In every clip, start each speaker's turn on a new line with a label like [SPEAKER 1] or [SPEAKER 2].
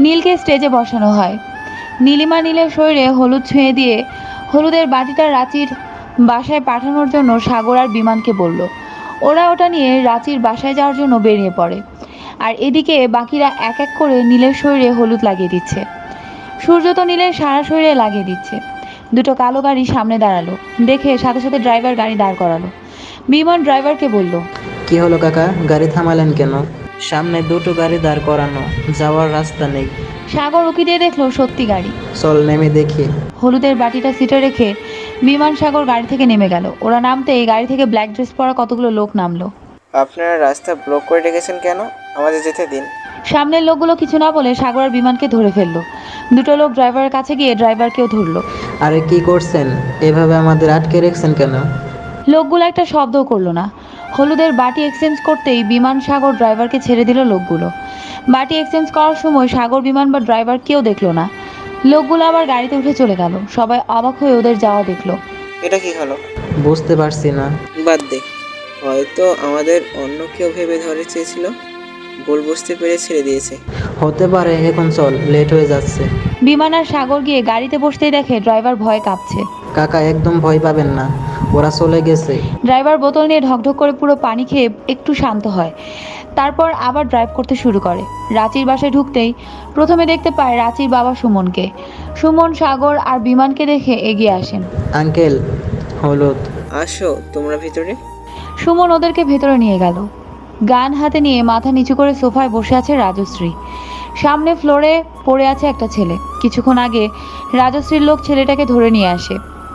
[SPEAKER 1] নীলকে স্টেজে বসানো হয়। নীলিমা নীলের শরীরে হলুদ ছুঁয়ে দিয়ে হলুদের বাটিটা রাঁচির বাসায় পাঠানোর জন্য সাগর আর বিমানকে বলল। ওরা ওটা নিয়ে রাঁচির বাসায় যাওয়ার জন্য বেরিয়ে পড়ে। আর এদিকে বাকিরা এক এক করে নীলের শরীরে হলুদ লাগিয়ে দিচ্ছে। সূর্য তো নীলের সারা শরীরে লাগিয়ে দিচ্ছে। দুটো কালো গাড়ি সামনে দাঁড়ালো, দেখে সাথে সাথে ড্রাইভার গাড়ি দাঁড় করালো। বিমান ড্রাইভারকে বলল,
[SPEAKER 2] কি হলো কাকা, গাড়ি থামালেন কেন? সামনে দুটো গাড়ি দাঁড় করানো, যাওয়ার রাস্তা নেই।
[SPEAKER 1] সাগর উকি দিয়ে দেখলো সত্যি গাড়ি।
[SPEAKER 2] চল নেমে দেখি।
[SPEAKER 1] হলুদের বাটিটা সিটে রেখে বিমান সাগর গাড়ি থেকে নেমে গেল। ওরা নামতেই গাড়ি থেকে ব্ল্যাক ড্রেস পরা কতগুলো লোক নামলো।
[SPEAKER 3] আপনারা রাস্তা ব্লক করে রেখেছেন কেন? আমাদের যেতে দিন।
[SPEAKER 1] সামনের লোকগুলো কিছু না বলে সাগর আর বিমানকে ধরে ফেললো। দুটো লোক ড্রাইভারের কাছে গিয়ে ড্রাইভারকেও ধরলো।
[SPEAKER 2] আরে কি করছেন? এভাবে আমাদের আটকে রেখেছেন কেন?
[SPEAKER 1] লোকগুলো একটা শব্দও করলো না। হলুদের বাটি এক্সচেঞ্জ করতেই বিমান সাগর ড্রাইভারকে ছেড়ে দিল। লোকগুলো বাটি এক্সচেঞ্জ করার সময় সাগর বিমান বা ড্রাইভার কেউ দেখলো না। লোকগুলো আবার গাড়িতে উঠে চলে গেল। সবাই অবাক হয়ে ওদের যাওয়া দেখলো।
[SPEAKER 3] এটা কি হলো?
[SPEAKER 2] বুঝতে পারছি না।
[SPEAKER 3] বাদ দে, হয়তো আমাদের অন্য কেউ ভেবে ধরে চেয়েছিল, ভুল বুঝতে পেরে ছেড়ে দিয়েছে।
[SPEAKER 2] হতে পারে, এখন চল, লেট হয়ে যাচ্ছে।
[SPEAKER 1] বিমান আর সাগর গিয়ে গাড়িতে বসতেই দেখে ড্রাইভার ভয়ে কাঁপছে।
[SPEAKER 2] কাকা একদম ভয় পাবেন না, ওরা চলে গেছে।
[SPEAKER 1] ড্রাইভার বোতল নিয়ে ঢকঢক করে পুরো পানি খেয়ে একটু শান্ত হয়। তারপর আবার ড্রাইভ করতে শুরু করে। রাঁচির বাসায় ঢুকতেই প্রথমে দেখতে পায় রাঁচির বাবা সুমনকে। সুমন সাগর আর বিমানকে দেখে এগিয়ে আসেন।
[SPEAKER 2] আঙ্কেল, হলুদ।
[SPEAKER 3] আসো তোমরা ভিতরে।
[SPEAKER 1] সুমন ওদেরকে ভেতরে নিয়ে গেল। গান হাতে নিয়ে মাথা নিচু করে সোফায় বসে আছে রাজশ্রী। সামনে ফ্লোরে পড়ে আছে একটা ছেলে। কিছুক্ষণ আগে রাজশ্রীর লোক ছেলেটাকে ধরে নিয়ে আসে।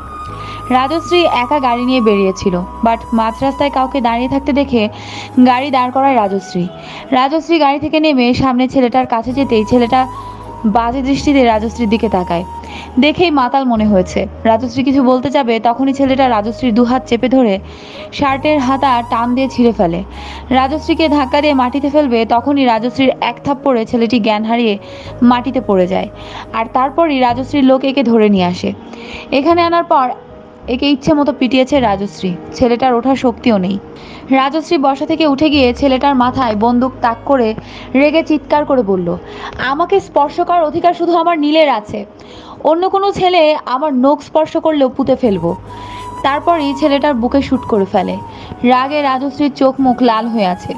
[SPEAKER 1] রাজশ্রী একা গাড়ি নিয়ে বেরিয়েছিল, বাট মাঝ রাস্তায় কাউকে দাঁড়িয়ে থাকতে দেখে গাড়ি দাঁড় করায় রাজশ্রী। রাজশ্রী গাড়ি থেকে নেমে সামনে ছেলেটার কাছে যেতেই ছেলেটা বাজে দৃষ্টিতে রাজশ্রীর দিকে তাকায়। দেখেই মাতাল মনে হয়েছে। রাজশ্রী কিছু বলতে যাবে, তখনই ছেলেটা রাজশ্রীর দুহাত চেপে ধরে শার্টের হাতা টান দিয়ে ছিঁড়ে ফেলে। রাজশ্রীকে ধাক্কা দিয়ে মাটিতে ফেলবে, তখনই রাজশ্রীর এক থাপ্পড়ে ছেলেটি জ্ঞান হারিয়ে মাটিতে পড়ে যায়। আর তারপরই রাজশ্রীর লোক একে ধরে নিয়ে আসে। এখানে আনার পর একে ইচ্ছে মতো পিটিয়েছে রাজশ্রী। ছেলেটার ওঠার শক্তিও নেই। রাজশ্রী বসা থেকে উঠে গিয়ে ছেলেটার মাথায় বন্দুক তাক করে রেগে চিৎকার করে বলল, আমাকে স্পর্শ করার অধিকার শুধু আমার নীলের আছে। অন্য কোনো ছেলে আমার নখ স্পর্শ করলেও পুঁতে ফেলবো। তারপরই ছেলেটার বুকে শুট করে ফেলে। রাগে রাজশ্রীর চোখ মুখ লাল হয়ে আছে।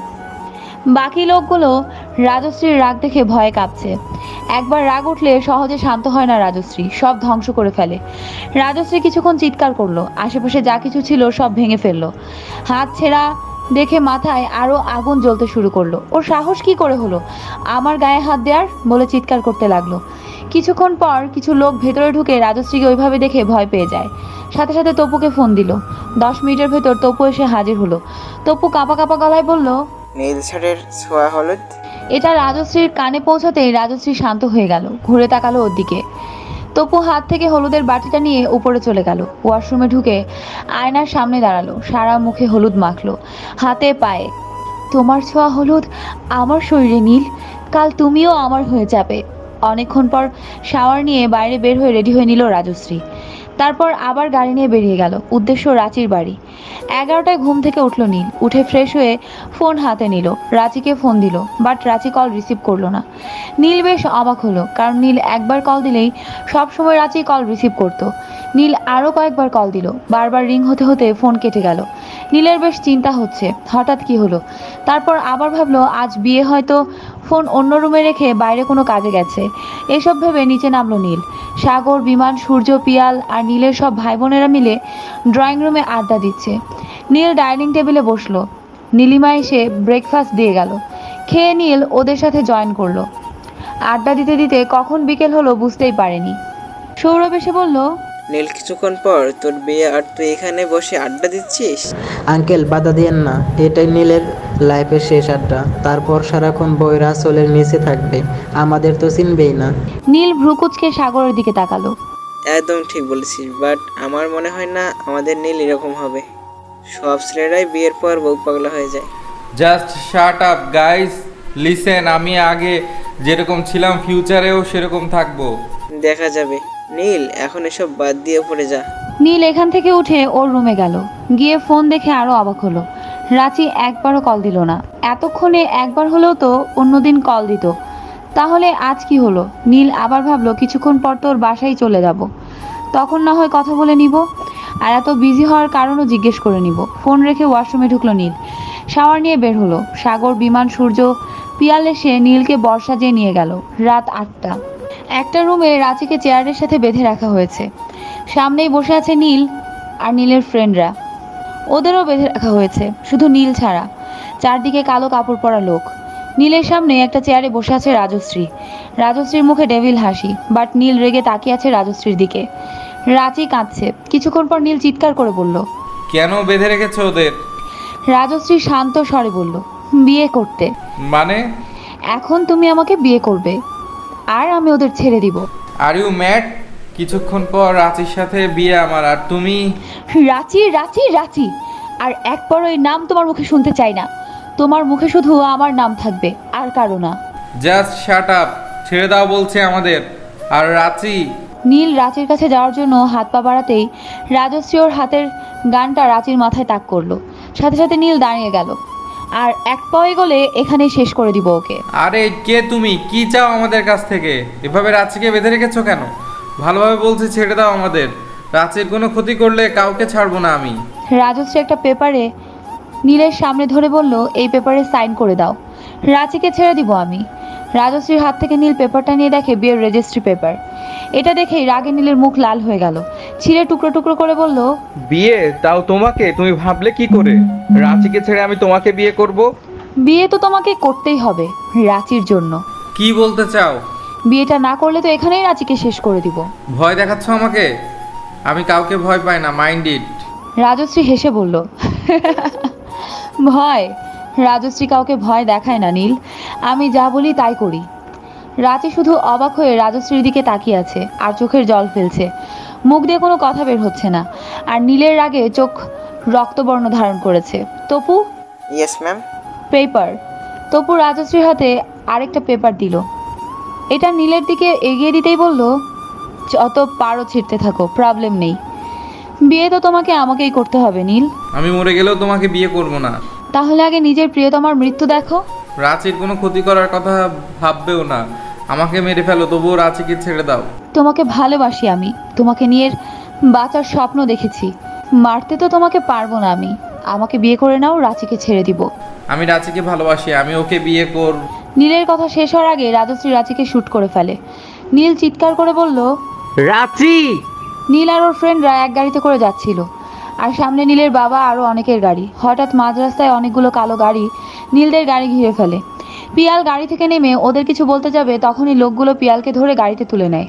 [SPEAKER 1] বাকি লোকগুলো রাজশ্রীর রাগ দেখে ভয়ে কাঁপছে। একবার রাগ উঠলে সহজে শান্ত হয় না রাজশ্রী, সব ধ্বংস করে ফেলে। রাজশ্রী কিছুক্ষণ চিৎকার করলো, আশেপাশে যা কিছু ছিল সব ভেঙে ফেললো। হাত ছেঁড়া দেখে মাথায় আরো আগুন জ্বলতে শুরু করলো। ওর সাহস কি করে হলো আমার গায়ে হাত দেওয়ার, বলে চিৎকার করতে লাগলো। কিছুক্ষণ পর কিছু লোক ভেতরে ঢুকে রাজশ্রীকে ওইভাবে দেখে ভয় পেয়ে যায়। সাথে সাথে তপুকে ফোন দিল। 10 মিনিটের ভেতর তপু এসে হাজির হলো। তপু কাঁপা কাঁপা গলায় বলল,
[SPEAKER 3] নীল শার্টের ছোঁয়া হলুদ।
[SPEAKER 1] এটা রাজশ্রীর কানে পৌঁছাতেই রাজশ্রী শান্ত হয়ে গেল, ঘুরে তাকালো ওর দিকে। তপু হাত থেকে হলুদের বাটিটা নিয়ে উপরে চলে গেল। ওয়াশরুমে ঢুকে আয়নার সামনে দাঁড়ালো, সারা মুখে হলুদ মাখলো, হাতে পায়ে। তোমার ছোঁয়া হলুদ আমার শরীরে নীল, কাল তুমিও আমার হয়ে যাবে। অনেকক্ষণ পর শাওয়ার নিয়ে বাইরে বের হয়ে রেডি হয়ে নিল রাজশ্রী। তারপর আবার গাড়ি নিয়ে বেরিয়ে গেল, উদ্দেশ্য রাঁচির বাড়ি। 11টায় ঘুম থেকে উঠল নীল। উঠে ফ্রেশ হয়ে ফোন হাতে নিল, রাঁচিকে ফোন দিল, বাট রাঁচি কল রিসিভ করলো না। নীল বেশ অবাক হলো, কারণ নীল একবার কল দিলেই সব সময় রাঁচি কল রিসিভ করতো। নীল আরও কয়েকবার কল দিল, বারবার রিং হতে হতে ফোন কেটে গেল। নীলের বেশ চিন্তা হচ্ছে হঠাৎ কি হলো। তারপর আবার ভাবলো আজ বিয়ে, হয়তো ফোন অন্য রুমে রেখে বাইরে কোনো কাজে গেছে। এসব ভেবে নিচে নামলো নীল। সাগর, বিমান, সূর্য, পিয়াল আর নীলের সব ভাই বোনেরা মিলে ড্রয়িং রুমে আড্ডা দিচ্ছে। নীল ডাইনিং টেবিলে বসলো। নীলিমা এসে ব্রেকফাস্ট দিয়ে গেল। খেয়ে নীল ওদের সাথে জয়েন করলো। আড্ডা দিতে দিতে কখন বিকেল হলো বুঝতেই পারেনি। সৌরভ এসে বলল,
[SPEAKER 3] নীল কিছুক্ষণ পর তোর বিয়ে আর তুই এখানে বসে আড্ডা দিচ্ছিস?
[SPEAKER 2] আঙ্কেল বাধা দিয়েন না, এটাই নীলের লাইফের শেষ আড্ডা। তারপর সারাক্ষণ বইরা আসলের নিচে থাকবে, আমাদের তো চিনবেই না।
[SPEAKER 1] নীল ভ্রুকুচকে সাগরের দিকে তাকালো।
[SPEAKER 3] একদম ঠিক বলেছিস, বাট আমার মনে হয় না আমাদের নীল এরকম হবে। সব ছেলেরাই বিয়ের পর বউ পাগলা হয়ে যায়।
[SPEAKER 4] Just shut up guys, listen, আমি আগে যেরকম ছিলাম ফিউচারেও সেরকম থাকবো।
[SPEAKER 3] দেখা যাবে। নীল এখন এসব বাদ দিয়ে পড়ে যা।
[SPEAKER 1] নীল এখান থেকে উঠে ওর রুমে গেল। গিয়ে ফোন দেখে আরো অবাক হলো। রাঁচি একবারও কল দিল না। এতক্ষণে একবার হলেও তো অন্যদিন কল দিত। তাহলে আজ কি হলো? নীল আবার ভাবলো কিছুক্ষণ পর তোর বাসায় চলে যাব, তখন না হয় কথা বলে নিব, আর এত বিজি হওয়ার কারণও জিজ্ঞেস করে নিব। ফোন রেখে ওয়াশরুমে ঢুকলো নীল। শাওয়ার নিয়ে বের হলো। সাগর, বিমান, সূর্য, পিয়াল এসে নীলকে বর্ষা যেয়ে নিয়ে গেল। রাত 8টা। একটা রুমে রাঁচিকে চেয়ারের সাথে বেঁধে রাখা হয়েছে। সামনেই বসে আছে নীল আর নীলের ফ্রেন্ডরা, ওদেরও বেঁধে রাখা হয়েছে, শুধু নীল ছাড়া। চারদিকে কালো কাপড় পরা লোক। নীলের সামনে একটা চেয়ারে বসে আছে রাজশ্রী। রাজশ্রীর মুখে ডেভিল হাসি, বাট নীল রেগে তাকিয়ে আছে রাজশ্রীর দিকে। রাঁচি কাঁদছে। কিছুক্ষণ পর নীল চিৎকার করে বলল,
[SPEAKER 4] কেন বেঁধে রেখেছো ওদের?
[SPEAKER 1] রাজশ্রী শান্ত স্বরে বলল, বিয়ে করতে।
[SPEAKER 4] মানে?
[SPEAKER 1] এখন তুমি আমাকে বিয়ে করবে আর আমি ওদের ছেড়ে দিব।
[SPEAKER 4] Are you mad? কিছুক্ষণ পর রাঁচির সাথে বিয়ে আমার, আর তুমি?
[SPEAKER 1] রাঁচি, রাঁচি, রাঁচি, আর একবার ওই নাম তোমার মুখে শুনতে চাই না। তোমার মুখে শুধু আমার নাম থাকবে, আর কারো না।
[SPEAKER 4] জাস্ট শাট আপ, ছেড়ে দাও বলছে আমাদের। আর রাঁচি?
[SPEAKER 1] নীল রাঁচির কাছে যাওয়ার জন্য হাত পা বাড়াতেই রাজশ্রী ওর হাতের গানটা রাঁচির মাথায় তাক করলো। সাথে সাথে নীল দাঁড়িয়ে গেল। আর এক পায়ে গলে এখানেই শেষ করে দিব ওকে।
[SPEAKER 4] আরে কে তুমি? কি চাও আমাদের কাছ থেকে? এভাবে রাঁচিকে বেঁধে রেখেছো কেন? ভালোভাবে বলছি ছেড়ে দাও আমাদের। রাঁচির কোনো ক্ষতি করলে কাউকে ছাড়বো না আমি।
[SPEAKER 1] রাজশ্রী একটা পেপারে নীলের সামনে ধরে বলল, এই পেপারে সাইন করে দাও, রাঁচিকে ছেড়ে দিব আমি। রাজশ্রীর হাত থেকে নীল পেপারটা নিয়ে দেখে বিয়ের রেজিস্ট্রি পেপার। এটা দেখেই রাগে নীলের মুখ লাল হয়ে গেল। ছিঁড়ে টুকরো টুকরো করে বলল,
[SPEAKER 5] বিয়ে তাও তোমাকে? তুমি ভাবলে কি করে রাঁচিকে ছেড়ে আমি তোমাকে বিয়ে করব?
[SPEAKER 1] বিয়ে তো তোমাকে করতেই হবে রাঁচির জন্য।
[SPEAKER 4] কি বলতে চাও?
[SPEAKER 1] বিয়েটা না করলে তো এখানেই রাঁচিকে শেষ করে দিব।
[SPEAKER 4] ভয় দেখাচ্ছ আমাকে? আমি কাউকে ভয় পাই না, মাইন্ড ইট।
[SPEAKER 1] রাজশ্রী হেসে বলল, ভয়? রাজশ্রী কাউকে ভয় দেখায় না নীল, আমি যা বলি তাই করি। রাঁচি শুধু অবাক হয়ে রাজশ্রীর দিকে তাকিয়ে আছে আর চোখের জল ফেলছে। মুখ দিয়ে কোনো কথা বের হচ্ছে না। আর নীলের রাগে চোখ রক্তবর্ণ ধারণ করেছে। Tapu,
[SPEAKER 3] yes ma'am.
[SPEAKER 1] Paper. Tapu রাজশ্রীর হাতে আরেকটা পেপার দিল। এটা নীলের দিকে এগিয়ে দিতেই বলল, যত পারো ছিঁড়তে থাকো, প্রবলেম নেই। বিয়ে তো তোমাকে আমাকেই করতে হবে নীল।
[SPEAKER 4] আমি মরে গেলেও তোমাকে বিয়ে করব না।
[SPEAKER 1] তাহলে আগে নিজের প্রিয়তমার মৃত্যু দেখো।
[SPEAKER 4] রাঁচির কোনো ক্ষতি করার কথা ভাববেও না। আমাকে মেরে ফেলো, তবুও রাঁচিকে ছেড়ে দাও।
[SPEAKER 1] তোমাকে ভালোবাসি আমি, তোমাকে নিয়ে বাঁচার স্বপ্ন দেখেছি। মারতে তো তোমাকে পারবো না আমি। আমাকে বিয়ে করে নাও, রাঁচিকে ছেড়ে দিব।
[SPEAKER 4] আমি রাঁচিকে ভালোবাসি, আমি ওকে বিয়ে করব।
[SPEAKER 1] নীলের কথা শেষ হওয়ার আগে রাজশ্রী রাঁচিকে শ্যুট করে ফেলে। নীল চিৎকার করে বলল,
[SPEAKER 5] রাঁচি!
[SPEAKER 1] নীল আর ওর ফ্রেন্ডরা এক গাড়িতে করে যাচ্ছিল, আর সামনে নীলের বাবা আরও অনেকের গাড়ি। হঠাৎ মাঝ রাস্তায় অনেকগুলো কালো গাড়ি নীলদের গাড়ি ঘিরে ফেলে। পিয়াল গাড়ি থেকে নেমে ওদের কিছু বলতে যাবে, তখনই লোকগুলো পিয়ালকে ধরে গাড়িতে তুলে নেয়।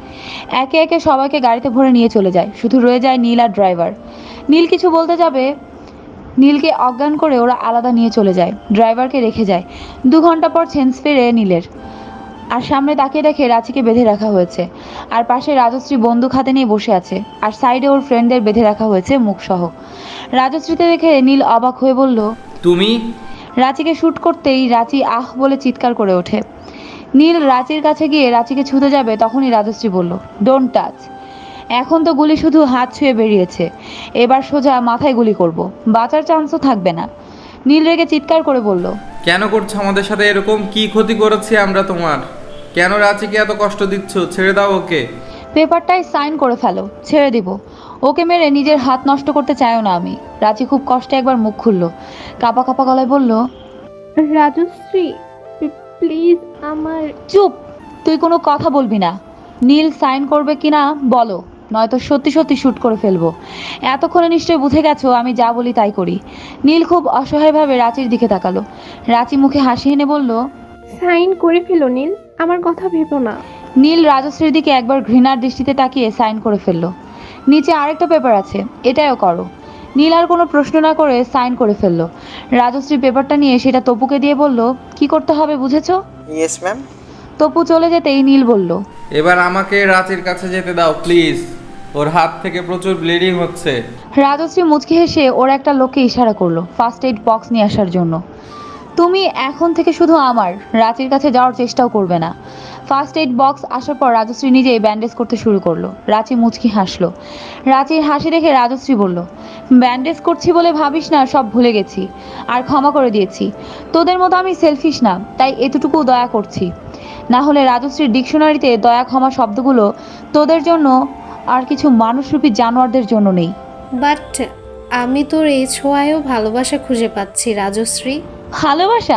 [SPEAKER 1] একে একে সবাইকে গাড়িতে ভরে নিয়ে চলে যায়, শুধু রয়ে যায় নীল আর ড্রাইভার। নীল কিছু বলতে যাবে, নীলকে অজ্ঞান করে ওরা আলাদা নিয়ে চলে যায়, ড্রাইভারকে রেখে যায়। 2 ঘন্টা পর সেন্স ফেরে নীলের, আর সামনে তাকিয়ে দেখে রাঁচিকে বেঁধে রাখা হয়েছে, আর পাশে রাজশ্রী বন্দুক হাতে নিয়ে বসে আছে, আর সাইডে ওর ফ্রেন্ডদের বেঁধে রাখা হয়েছে মুখসহ। রাজশ্রীতে দেখে নীল অবাক হয়ে বলল,
[SPEAKER 4] তুমি?
[SPEAKER 1] রাঁচিকে শ্যুট করতেই রাঁচি আহ বলে চিৎকার করে ওঠে। নীল রাঁচির কাছে গিয়ে রাঁচিকে ছুঁতে যাবে, তখনই রাজশ্রী বলল, ডোন্ট টাচ। এখন তো গুলি শুধু হাত ছুঁয়ে বেরিয়েছে, এবার সোজা মাথায় গুলি করব, বাঁচার চান্সও থাকবে না। নীল রেগে চিৎকার করে বলল,
[SPEAKER 4] কেন করছো আমাদের সাথে এরকম? কি ক্ষতি করেছি আমরা তোমার? কেন রাঁচিকে এত কষ্ট দিচ্ছ? ছেড়ে দাও ওকে।
[SPEAKER 1] পেপারটায় সাইন করে ফেলো, ছেড়ে দিব। ওকে মেরে নিজের হাত নষ্ট করতে চাইও না আমি। রাঁচি খুব কষ্টে একবার মুখ খুলল, কাঁপা কাঁপা গলায় বলল,
[SPEAKER 6] রাজশ্রী প্লিজ আমার।
[SPEAKER 1] চুপ, তুই কোনো কথা বলবি না। নীল সাইন করবে কিনা বলো, নয়তো সত্যি সত্যি শ্যুট করে ফেলবো। এতক্ষণে নিশ্চয়ই বুঝে গেছো আমি যা বলি তাই করি। নীল খুব অসহায়ভাবে রাঁচির দিকে তাকালো। রাঁচি মুখে হাসি এনে বলল,
[SPEAKER 6] সাইন করে ফেলো নীল, আমার কথা ভেবো না।
[SPEAKER 1] নীল রাজশ্রীর দিকে একবার ঘৃণার দৃষ্টিতে তাকিয়ে সাইন করে ফেললো। নিচে আরেকটা পেপার আছে, এটাও করো। নীল আর কোনো প্রশ্ন না করে সাইন করে ফেললো। রাজশ্রী পেপারটা নিয়ে সেটা তপুকে দিয়ে বলল, কি করতে হবে বুঝেছো?
[SPEAKER 3] Yes ma'am.
[SPEAKER 1] তপু চলে যেতেই নীল বলল,
[SPEAKER 4] এবার আমাকে রাঁচির কাছে যেতে দাও প্লিজ। ওর হাত থেকে প্রচুর ব্লিডিং হচ্ছে।
[SPEAKER 1] রাজশ্রী মুচকি হেসে ওর একটা লোককে ইশারা করলো ফার্স্ট এইড বক্স নিয়ে আসার জন্য। তুমি এখন থেকে শুধু আমার, রাঁচির কাছে যাওয়ার চেষ্টাও করবে না। ফার্স্ট এইড বক্স আসার পর রাজশ্রী নিজেই ব্যান্ডেজ করতে শুরু করলো। রাঁচি মুচকি হাসলো। রাঁচির হাসি দেখে রাজশ্রী বলল, ব্যান্ডেজ করছি বলে ভাবিস না সব ভুলে গেছি আর ক্ষমা করে দিয়েছি। তোদের মতো আমি সেলফিশ না, তাই এতটুকু দয়া করছি। না হলে রাজশ্রীর ডিকশনারিতে দয়া ক্ষমা শব্দগুলো তোদের জন্য আর কিছু মানুষরূপী জানোয়ারদের জন্য নেই।
[SPEAKER 7] বাট আমি তোর এই ছোঁয়ায়ও ভালোবাসা খুঁজে পাচ্ছি রাজশ্রী।
[SPEAKER 1] ভালোবাসা?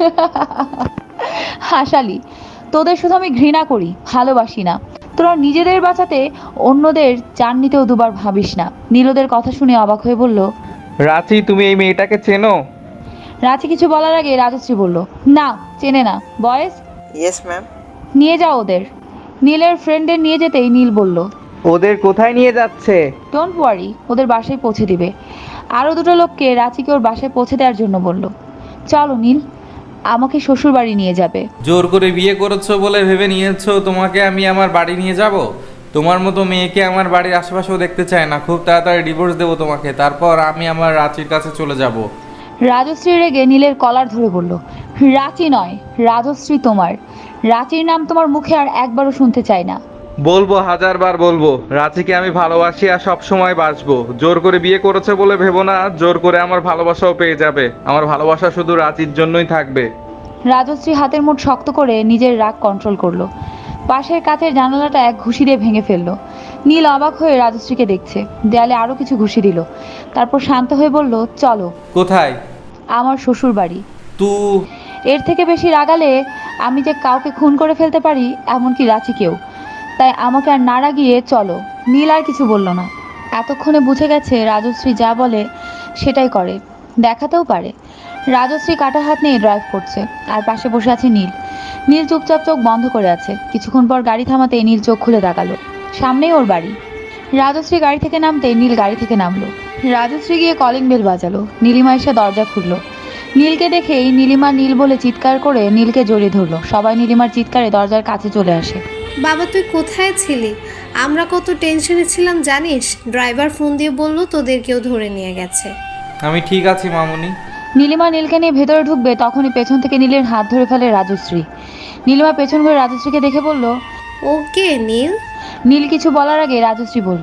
[SPEAKER 1] হাসালি, তোদের শুধু আমি ঘৃণা করি, ভালোবাসি না। তোরা নিজেদের বাঁচাতে অন্যদের জান নিতেও দুবার ভাবিস না। নীলদের কথা শুনে অবাক হয়ে বলল,
[SPEAKER 5] রাঁচি, তুমি এই মেয়েটাকে চেনো?
[SPEAKER 1] রাঁচি কিছু বলার আগে রাজশ্রী বলল, না চেনে না। বয়েস,
[SPEAKER 3] ইয়েস ম্যাম।
[SPEAKER 1] নিয়ে যাও ওদের। নীলের ফ্রেন্ডের নিয়ে যেতেই নীল বলল,
[SPEAKER 5] ওদের কোথায় নিয়ে যাচ্ছে?
[SPEAKER 1] ডোন্ট ওয়ারি, ওদের বাসায় পৌঁছে দিবে। আরও দুটো লোককে রাঁচিকে ওর বাসায় পৌঁছে দেওয়ার জন্য বলল। চলো নীল, আমাকে শ্বশুর বাড়ি নিয়ে যাবে।
[SPEAKER 4] জোর করে বিয়ে করেছো বলে ভেবে নিয়েছো তোমাকে আমি আমার বাড়ি নিয়ে যাব? তোমার মতো মেয়েকে আমার বাড়ির আশেপাশেও দেখতে চায় না। খুব তাড়াতাড়ি ডিভোর্স দেবো তোমাকে, তারপর আমি আমার রাঁচির কাছে চলে যাব।
[SPEAKER 1] রাজশ্রী রেগে নীলের কলার ধরে বলল, রাঁচি নয়, রাজশ্রী তোমার। রাঁচির নাম তোমার মুখে আর একবারও শুনতে চাই না।
[SPEAKER 5] বলবো, হাজারবার বলবো, রাঁচিকে আমি ভালোবাসি আর সব সময় বাসবো। জোর করে বিয়ে করেছে বলে ভেবো না জোর করে আমার ভালোবাসাও পেয়ে যাবে। আমার ভালোবাসা শুধু রাঁচির জন্যই থাকবে।
[SPEAKER 1] রাজশ্রী হাতের মুঠ শক্ত করে নিজের রাগ কন্ট্রোল করলো। পাশের কাচের জানালাটা এক ঘুষি দিয়ে ভেঙে ফেললো। নীল অবাক হয়ে রাজশ্রীকে দেখছে। দেয়ালে আরো কিছু ঘুষি দিল, তারপর শান্ত হয়ে বলল, চলো।
[SPEAKER 4] কোথায়?
[SPEAKER 1] আমার শ্বশুর বাড়ি।
[SPEAKER 4] তুই
[SPEAKER 1] এর থেকে বেশি রাগালে আমি যে কাউকে খুন করে ফেলতে পারি, এমনকি রাঁচিকেও। তাই আমাকে আর না রাগিয়ে চলো। নীল আর কিছু বলল না। এতক্ষণে বুঝে গেছে রাজশ্রী যা বলে সেটাই করে, দেখাতেও পারে। রাজশ্রী কাটা হাত নিয়ে ড্রাইভ করছে, আর পাশে বসে আছে নীল। নীল চুপচাপ চোখ বন্ধ করে আছে। কিছুক্ষণ পর গাড়ি থামাতে নীল চোখ খুলে তাকালো। সামনেই ওর বাড়ি। রাজশ্রী গাড়ি থেকে নামতে নীল গাড়ি থেকে নামলো। রাজশ্রী গিয়ে কলিং বেল বাজালো। নীলিমা এসে দরজা খুললো। নীলকে দেখেই নীলিমা নীল বলে চিৎকার করে নীলকে জড়িয়ে ধরলো। সবাই নীলিমার চিৎকারে দরজার কাছে চলে আসে।
[SPEAKER 7] বাবা, তুই কোথায় ছিলি? আমরা কত টেনশনে ছিলাম জানিস? ড্রাইভার ফোন দিয়ে বললো তোদের কেউ ধরে নিয়ে গেছে।
[SPEAKER 4] আমি ঠিক আছি মামুনি।
[SPEAKER 1] নীলিমা নীলকে নিয়ে ভেতরে ঢুকবে, তখনই পেছন থেকে নীলের হাত ধরে ফেলে রাজশ্রী। নীলিমা পেছন ঘুরে রাজশ্রীকে দেখে বলল,
[SPEAKER 7] ওকে নীল।
[SPEAKER 1] নীল কিছু বলার আগে রাজশ্রী বলল,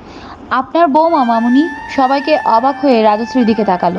[SPEAKER 1] আপনার বৌমা মামুনি। সবাইকে অবাক হয়ে রাজশ্রীর দিকে তাকালো।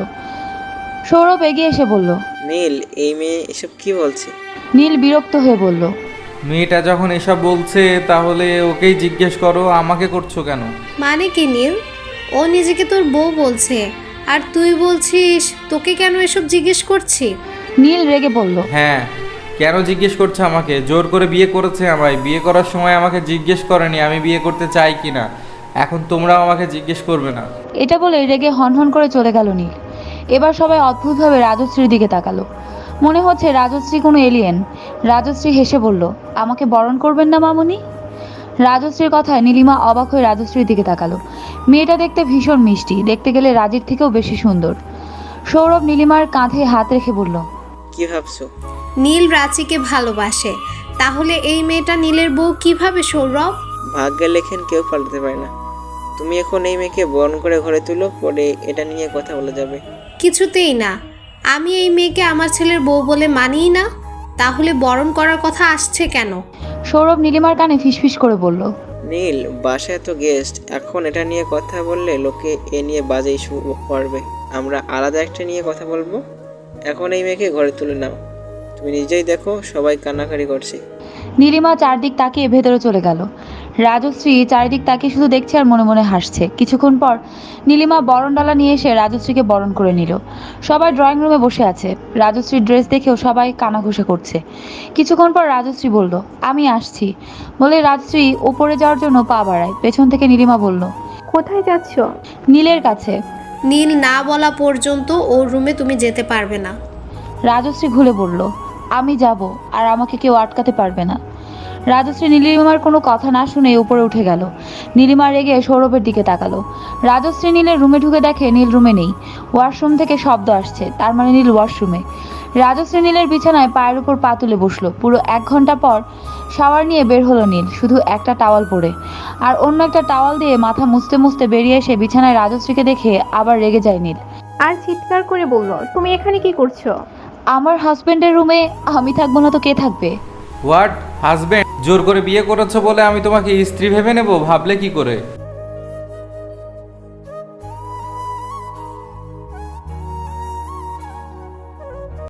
[SPEAKER 1] সৌরভ এগিয়ে এসে বলল,
[SPEAKER 3] নীল, এই মেয়ে এসব কি বলছে?
[SPEAKER 1] নীল বিরক্ত হয়ে বলল,
[SPEAKER 4] মেয়েটা যখন এসব বলছে তাহলে ওকেই জিজ্ঞেস করো, আমাকে করছো কেন?
[SPEAKER 7] মানে কি নীল? ও নিজেকে তোর বউ বলছে, আর তুই বলছিস তোকে কেন এসব জিজ্ঞেস করছি?
[SPEAKER 1] নীল রেগে বলল,
[SPEAKER 4] হ্যাঁ, কেন জিজ্ঞেস করছে আমাকে? জোর করে বিয়ে করেছে আমায়। বিয়ে করার সময় আমাকে জিজ্ঞেস করেনি আমি বিয়ে করতে চাই কিনা। এখন তোমরাও আমাকে জিজ্ঞেস করবে না।
[SPEAKER 1] এটা বলে রেগে হনহন করে চলে গেল নীল। এবার সবাই অদ্ভুতভাবে রাজশ্রীর দিকে তাকালো। মনে হচ্ছে রাজশ্রী কোনো এলিয়েন। রাজশ্রী হেসে বলল, আমাকে বরণ করবেন না মামুনি? রাজশ্রীর কথায় নীলিমা অবাক হয়ে রাজশ্রীর দিকে তাকালো। মেয়েটা দেখতে ভীষণ মিষ্টি, দেখতে গেলে রাজির থেকেও বেশি সুন্দর। সৌরভ নীলিমার কাঁধে হাত রেখে বলল,
[SPEAKER 3] কি ভাবছো?
[SPEAKER 7] নীল রাঁচিকে ভালোবাসে, তাহলে এই মেয়েটা নীলের বউ কিভাবে সৌরভ?
[SPEAKER 3] ভাগ্যে লেখেন কেউ পাল্টাতে পারে না। তুমি এখন এই মেয়েকে বরণ করে ঘরে তুলো, পরে এটা নিয়ে কথা বলা যাবে।
[SPEAKER 7] কিছুতেই না। আমি এই মেয়েকে আমার ছেলের বউ বলে মানিই না, তাহলে বরণ করার কথা আসছে কেন?
[SPEAKER 1] সৌরভ নীলিমার কানে ফিসফিস করে বলল,
[SPEAKER 3] নীল, বাসায় তো গেস্ট, এখন এটা নিয়ে কথা বললে লোকে এ নিয়ে বাজে ইস্যু করবে। আমরা আলাদা একটা নিয়ে কথা বলবো। এখন এই মেয়েকে ঘরে তুলে নাও। তুমি নিজেই দেখো সবাই কান্নাকাটি করছে।
[SPEAKER 1] নীলিমা চারদিক তাকিয়ে ভেতরে চলে গেল। রাজশ্রী চারিদিক তাকিয়ে শুধু দেখছে আর মনে মনে হাসছে। কিছুক্ষণ পর নীলিমা বরণডালা নিয়ে এসে রাজশ্রীকে বরণ করে নিল। সবাই ড্রয়িং রুমে বসে আছে। রাজশ্রীর ড্রেস দেখেও সবাই কানাঘুষা করছে। কিছুক্ষণ পর রাজশ্রী বলল, আমি আসছি বলে রাজশ্রী উপরে যাওয়ার জন্য পা বাড়ায়। পেছন থেকে নীলিমা বলল,
[SPEAKER 6] কোথায় যাচ্ছ?
[SPEAKER 1] নীলের কাছে।
[SPEAKER 7] নীল না বলা পর্যন্ত ওর রুমে তুমি যেতে পারবে না।
[SPEAKER 1] রাজশ্রী ঘুরে বলল, আমি যাব, আর আমাকে কেউ আটকাতে পারবে না। রাজশ্রী নীলিমার কোনো কথা না শুনে উপরে উঠে গেল। নীলিমা রেগে সৌরভের দিকে তাকালো। রাজশ্রী নীলের রুমে ঢুকে দেখে নীল রুমে নেই। ওয়াশরুম থেকে শব্দ আসছে, তার মানে নীল ওয়াশরুমে। রাজশ্রী নীলের বিছানায় পায়ের উপর পা তুলে বসলো। পুরো 1 ঘন্টা পর শাওয়ার নিয়ে বের হলো নীল, শুধু একটা টাওয়াল পরে, আর অন্য একটা টাওয়াল দিয়ে মাথা মুছতে মুছতে বেরিয়ে এসে বিছানায় রাজশ্রীকে দেখে আবার রেগে যায় নীল।
[SPEAKER 6] আর চিৎকার করে বলল, তুমি এখানে কি করছো?
[SPEAKER 1] আমার হাজবেন্ডের রুমে আমি থাকবো না তো কে থাকবে?
[SPEAKER 4] What husband? জোর করে বিয়ে করেছো বলে আমি তোমাকে স্ত্রী ভেবে নেব? ভাবলে কি করে?